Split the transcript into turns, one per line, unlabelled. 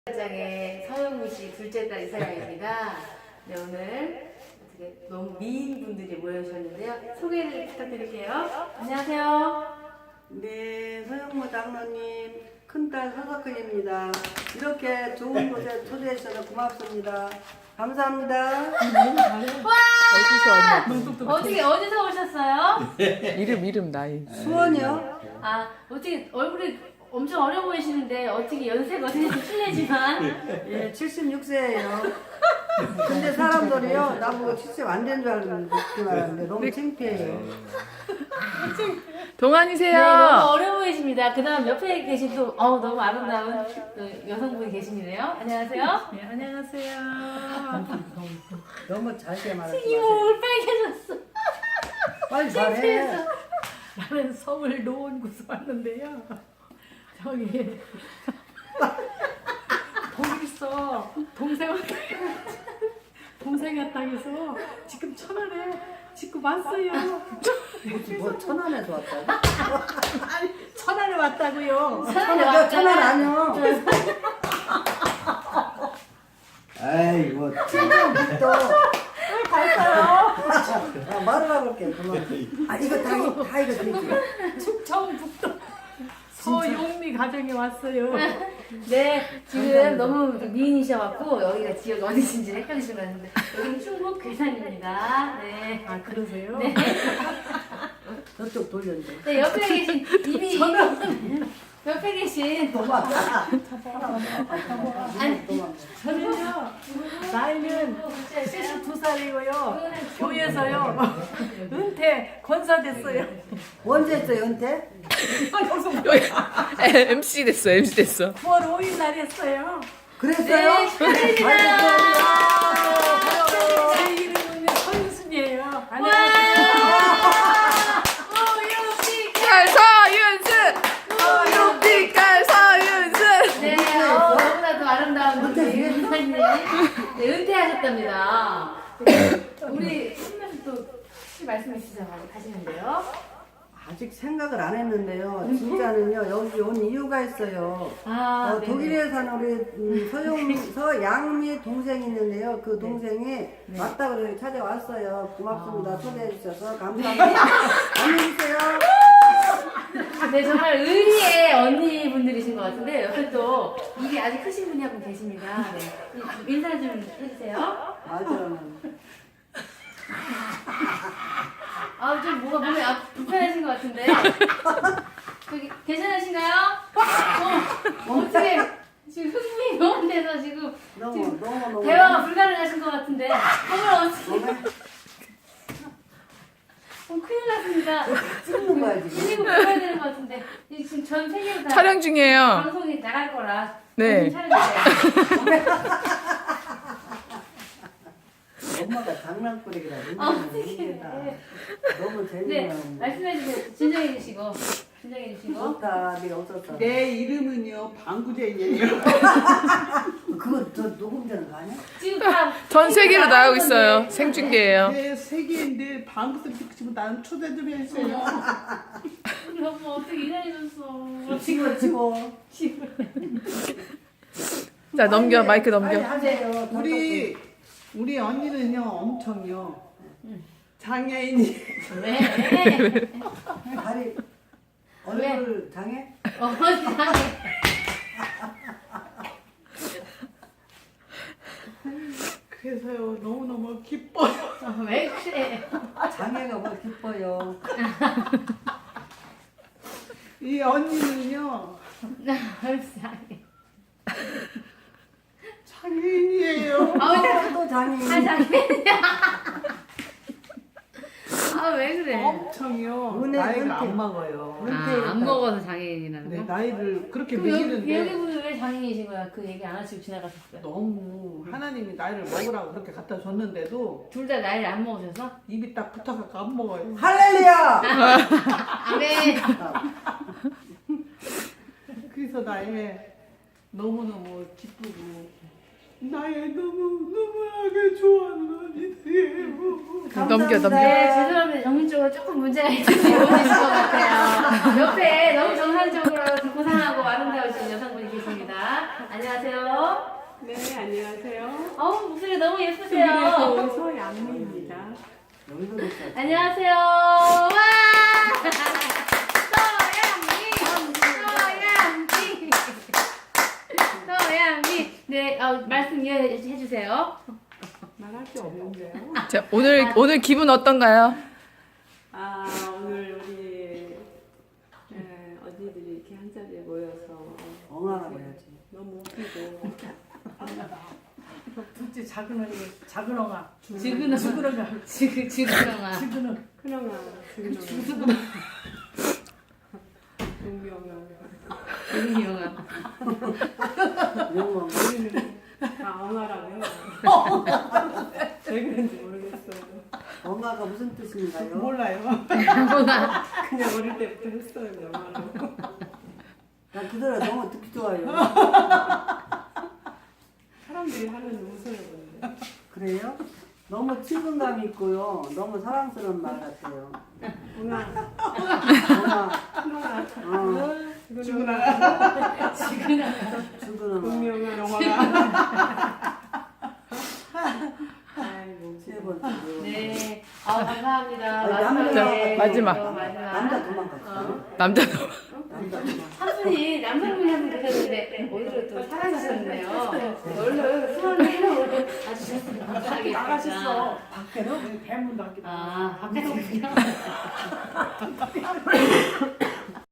장의 서영미 씨 둘째 딸 이서영입니다. 네, 오늘 어떻게 너무 미인 분들이 모여주셨는데요. 소개를 부탁드릴게요. 안녕하세요.
네, 서영무 장로님 큰딸 서석근입니다. 이렇게 좋은 곳에 초대해 주셔서 고맙습니다. 감사합니다.
어디서 오셨어요?
이름 나이.
수원이요?
아, 어떻게 얼굴이 엄청 어려 보이시는데 어떻게 연세가 어떻게 실례지만
예, 76세예요. 근데 사람들이요 나보고 70 안 된 줄 알았는데 너무 창피해요.
동안이세요.
네, 너무 어려 보이십니다. 그 다음 옆에 계신 또 너무 아름다운 또 여성분이 계시네요. 안녕하세요.
네, 안녕하세요.
너무 잘게 말하지
이모
마세요.
얼굴 빨개졌어.
빨리 말해.
나는 서울 노원구서 왔는데요. 저기 거기서 동생의 땅에서 지금 천안에 짓고 왔어요.
뭐 천안에서 왔다고?
아니 천안에 왔다고요.
천안 아니요. 아이 뭐 천안부터 갈까요? 말을 해볼게 그만. 아 이거 다 이거 드릴게요.
충청북도 서용미 가정에 왔어요.
네, 지금 너무 미인이셔갖고 여기가 지역 어디신지 헷갈리신 것 같은데 여기는 충북 괴산입니다. 네.
아 그러세요?
네.
저쪽 돌렸는데.
네, 옆에 계신 이미 옆에 계신
도망가.
아니
저는요 나이는 72살이고요. 교회에서요 은퇴 권사됐어요.
언제 했어요 은퇴?
MC 됐어. 9월 5일 날 했어요.
그랬어요?
네, 축하드립니다.
제 이름은 서윤순이에요.
와,
서윤순. 빛깔 서윤순.
네, 너무나도 아름다운 우리 은사님 네, 은퇴하셨답니다. 네, 우리 신면서 또 혹시 말씀 있으셔서 하시는데요.
아직 생각을 안 했는데요. 진짜는요 여기 온 이유가 있어요.
아, 네.
독일에 사는 우리 서양미 동생이 있는데요. 그 동생이 왔다 그래서 찾아왔어요. 고맙습니다. 초대해 주셔서 감사합니다. 안녕히 계세요.
네, 정말 의리의 언니분들이신 것 같은데 옆에 또 입이 아직 크신 분이 한 분 계십니다. 네. 인사 좀 해주세요.
맞아요.
좀 뭐가 몸에 불편하신 것 같은데. 저기 괜찮으신가요? 어떻게 지금 흥분이 너무 돼서 지금
너무
대화가 불가능하신 것 같은데. 정말 어떻게 큰일 났습니다.
찍는 거야 지금.
이거 보여야 되는 것 같은데. 지금 전 세계로 다
촬영 중이에요.
방송이 나갈 거라.
네.
촬영해주세요.
엄마가 장난꾸러기라
어떡해.
너무
네,
재밌네요.
말씀해주세요. 진정해주시고. 진정해주시고.
좋다. 네가 없었다.
내 이름은요 방구쟁이에요.
그거 저 녹음되는 거 아니야?
지금 다
전 세계로 나가고 있어요. 생중계예요.
내 세계인데 방구 소리 듣고 싶으면 나는 초대 좀 해주세요.
우리 엄마 어떻게 이래졌어.
치고.
자 넘겨 마이크
빨리
넘겨.
하세요.
우리 언니는요 엄청요 장애인이
왜?
다리 얼굴 장애?
어머니
그래서요 너무너무 기뻐요.
왜 그래?
장애가 뭐 기뻐요.
이 언니는요 장애인이에요.
또 장애.
장애인이야. 왜 그래?
엄청요
은혜,
나이가
은퇴.
안 먹어요.
안 먹어서 장애인이라는
네,
거?
나이를 그렇게
그럼 여기
매기는데
분은 왜 장애인이신 거야? 그 얘기 안 하시고 지나가셨어요?
너무 하나님이 나이를 먹으라고 그렇게 갖다 줬는데도
둘 다 나이를 안 먹으셔서?
입이 딱 붙어갖고 안 먹어요.
할렐루야!
아멘.
그래서 나의 너무너무 기쁘고 나의 너무하게 좋아하는 언니들이에요.
넘겨 넘겨.
네, 죄송합니다. 정신적으로 조금 문제가 있으신 것 같아요. 옆에 너무 정상적으로 고상하고 아름다우신 여성분이 계십니다. 안녕하세요. 안녕하세요.
네, 안녕하세요.
목소리 너무
수비에서
예쁘세요.
온 서양미입니다.
여기서 됐어.
안녕하세요. 와! 서양미. 네, 말씀 이어해 주세요.
말할 게 없는데요.
자, 오늘 기분 어떤가요?
오늘 우리 언니들이 이렇게 한 자리에 모여서
엉아가 돼야지.
너무 웃기고
둘째 작은 언니, 작은 엉아.
지근아. 지근아. 지근아.
큰엉아, 동명아
은영아.
영어.
우리는 다 엉아라고 해요. 왜 그런지 모르겠어요.
엉아가 무슨 뜻인가요?
몰라요.
그냥 어릴 때부터 했어요, 영화로.
난 그대로 너무 듣기 좋아요.
사람들이 하면 웃어요, 근데.
그래요? 너무 친근감 있고요. 너무 사랑스러운 말 같아요.
엉아,
엉아,
큰엉아,
지근아.
죽은 엉아.
동명아, 영화가. 아이고,
세 번째로.
네. 감사합니다.
남자,
마지막.
남자 도망갔어요.
남자도.
남자 도망.
한 분이 남성분이 한 분 계셨는데 오늘은 또 사라지셨네요. 얼른 수원을 와주셨으면 감사하겠습니다.
나가셨어. 밖에는? 배문도 안 끼고.
밖에서